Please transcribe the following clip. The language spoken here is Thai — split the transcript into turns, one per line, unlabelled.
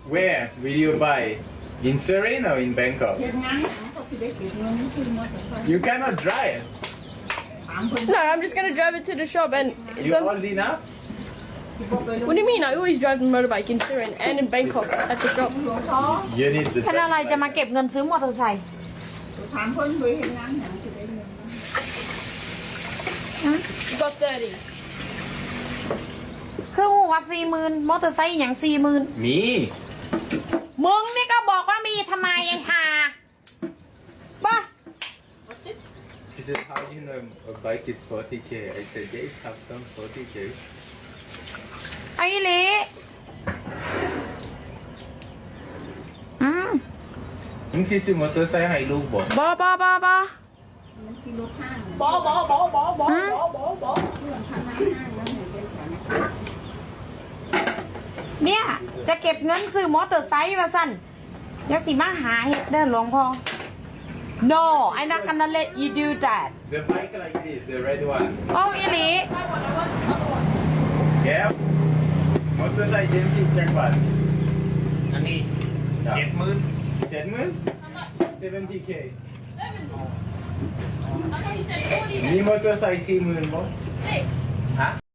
Where will you buy? In Surin or in Bangkok?
เฮ็ดงานหยังก็สิได้เก็บเงินซื้อมอเตอร์ไซค์
You cannot drive.
ถามเพิ่น
No, I'm just gonna drive it to the shop and
You
some.
old enough?
สิบ่ไปล
What do you mean? I always drive the motorbike in Surin and in Bangkok at the shop.
หลวงพ่อ
You need the
แค่อะไรจะมาเก็บเงินซื้อมอเตอร์ไซค์
ถามเพิ่นเคยเฮ็ดงานหยังสิได้เงิน
Got 30.
คือหัว40,000มอเตอร์ไซค์อย่าง40,000
Me.
มึงนี่ก็บอกว่ามีทำไมไอ้ห่าบ้า
She said, how do you know a bike is 40k? I said, yes, have some 40k.
ไอ้เละอืม
มึงสิซื้อมอเตอร์ไซค์ให้ลูกบ่
บอบอบอบอ
มันขี่รถห้าง
Ball.
เรื่องพนักห้างนั้นให้เป็นแผน
เนี่ยจะเก็บเงินซื้อมอเตอร์ไซค์มาสั่นอยังสิมาหาเห็ดเด้อหลวงพ่อ No I'm not gonna let you do that
The bike like this, the red one.
โอ้อีหลี
Yeah. มอเตอร์ไซค์เจนซี่แจ็คบัต
อันนี้70,000
70k.
I thought you said 40.
มีมอเตอร์ไซค์40,000บ่
Six.
ฮะ